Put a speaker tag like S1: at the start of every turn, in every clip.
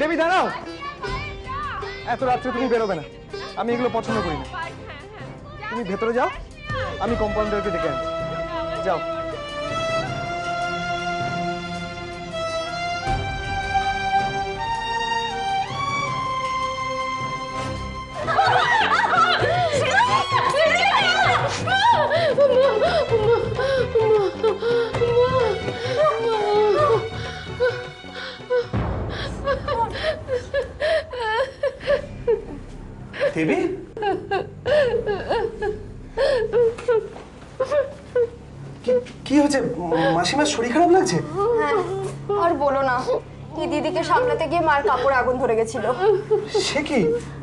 S1: দেবী দাঁড়াও, এত রাত্রে তুমি বেরোবে না, আমি এগুলো পছন্দ করি না। তুমি ভেতরে যাও, আমি কম্পাউন্ডারকে ডেকে আনছি। যাও। দেবী, কি হয়েছে? মাসিমার শরীর খারাপ লাগছে?
S2: হ্যাঁ, আর বলো না, এই দিদিকে সামলাতে গিয়ে মার কাপড়ে আগুন ধরে গেছিল।
S1: সে কি?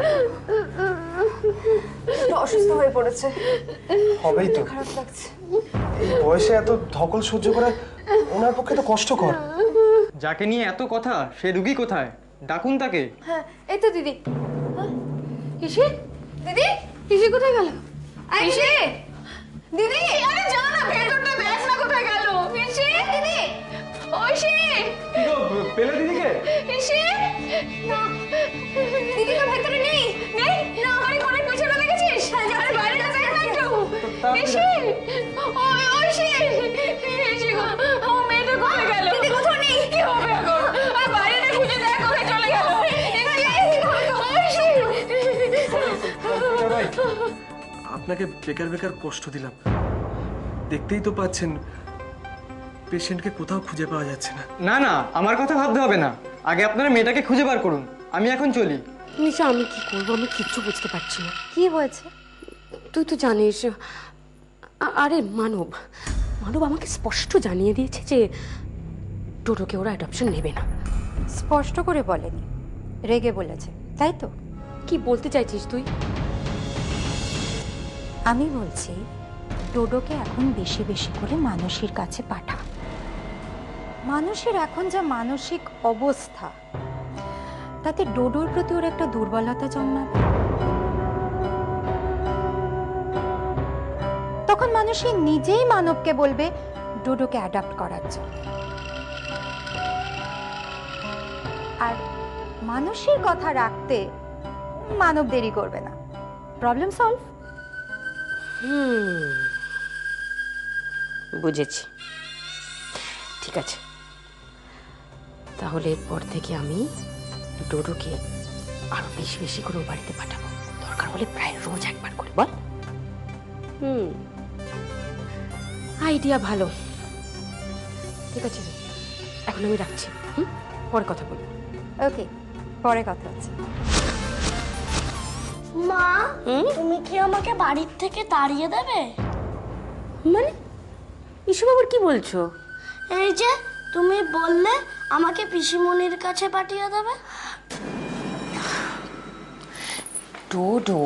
S2: একটু অসুস্থ হয়ে পড়েছে।
S1: হবেই তো,
S2: খারাপ লাগছে।
S1: এই বয়সে এত ধকল সহ্য করা ওনার পক্ষে তো কষ্টকর।
S3: যাকে নিয়ে এত কথা, সে রুগী কোথায়? ডাকুন তাকে।
S2: হ্যাঁ, এই তো দিদি। ইসি, দিদি, ইসি কোথায় গেল? ইসি, দিদি, আরে যা না, ভেতরটা দেখ না কোথায় গেল। ইসি, দিদি, ওইসি,
S1: কি গো, পেলে দিদিকে?
S2: ইসি, না, দিদি তো ভেতরে নেই। নেই? না, আমার ঘরের পিছনে দেখেছিস? আরে বাইরে না, দেখ না একটু। ইসি, ওইসি, ইসি গো, আমার মেয়েটা কোথায় গেল? দিদি কোথাও নেই। কি হবে এখন? আর বাইরে খুঁজে দেখ, কোথায় চলে গেল?
S1: আপনাকে বেকার বেকার কষ্ট দিলাম। দেখতেই তো পাচ্ছেন পেশেন্টকে কোথাও খুঁজে পাওয়া যাচ্ছে না।
S3: না না, আমার কথা ভাবতে হবে না, আগে আপনারা মেয়েটাকে খুঁজে বার করুন। আমি এখন চলি।
S4: নিশা, আমি কি করবো? আমি কিচ্ছু বুঝতে পারছি না।
S2: কি হয়েছে?
S4: তুই তো জানিস, আরে মানব আমাকে স্পষ্ট জানিয়ে দিয়েছে যে টোটোকে ওরা অ্যাডপশন নেবে না।
S5: স্পষ্ট করে বলেনি, রেগে বলেছে, তাই তো?
S4: কি বলতে চাইছিস তুই?
S5: আমি বলছি ডোডোকে এখন বেশি বেশি করে মানসীর কাছে পাঠা। মানুষের এখন যা মানসিক অবস্থা, তাতে ডোডোর প্রতি ওর একটা দুর্বলতা জন্মাবে। তখন মানুষই নিজেই মানবকে বলবে ডোডোকে অ্যাডাপ্ট করার জন্য। আর মানুষের কথা রাখতে মানব দেরি করবে না। Problem solve.
S4: বুঝেছি, ঠিক আছে। তাহলে এরপর থেকে আমি ডোডোকে আরো বেশি বেশি করে ও বাড়িতে পাঠাবো, দরকার হলে প্রায় রোজ একবার করে। বল। আইডিয়া ভালো। ঠিক আছে, এখন আমি রাখছি। পরে কথা বলবো।
S5: ওকে, পরে কথা হচ্ছে।
S6: মা, তুমি কি আমাকে বাড়ির থেকে তাড়িয়ে দেবে?
S4: মানে এসব আবার কি বলছো?
S6: এই যে তুমি বললে আমাকে পিসিমণির কাছে পাঠিয়ে দেবে।
S4: ডোডো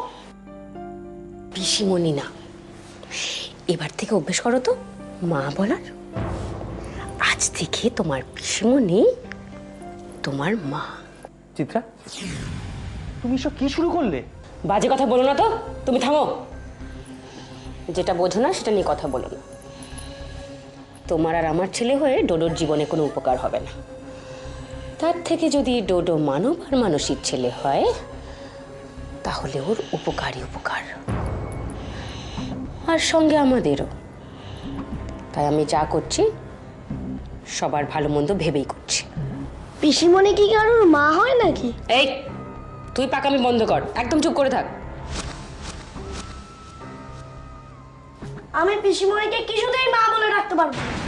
S4: পিসিমণি না, এবার থেকে অভ্যেস করো তো মা বলার। আজ থেকে তোমার পিসিমণি তোমার মা।
S3: চিত্রা, তুমি সব কি শুরু করলে?
S4: বাজে কথা বলো না তো, তুমি থামো। যেটা বোঝো না সেটা নিয়ে কথা বলো না। তোমার আর আমার ছেলে হয়ে ডোডোর জীবনে কোনো উপকার হবে না। তার থেকে যদি ডোডো মানব আর মানসিক ছেলে হয়, তাহলে ওর উপকারই উপকার, আর সঙ্গে আমাদেরও। তাই আমি যা করছি সবার ভালো মন্দ ভেবেই করছি।
S6: পিসিমণি কি কারোর মা হয় নাকি?
S4: এই, তুই পাকামি বন্ধ কর, একদম চুপ করে থাক।
S6: আমি পিসিমণিকে কিছুতেই মা বলে ডাকতে পারবো না।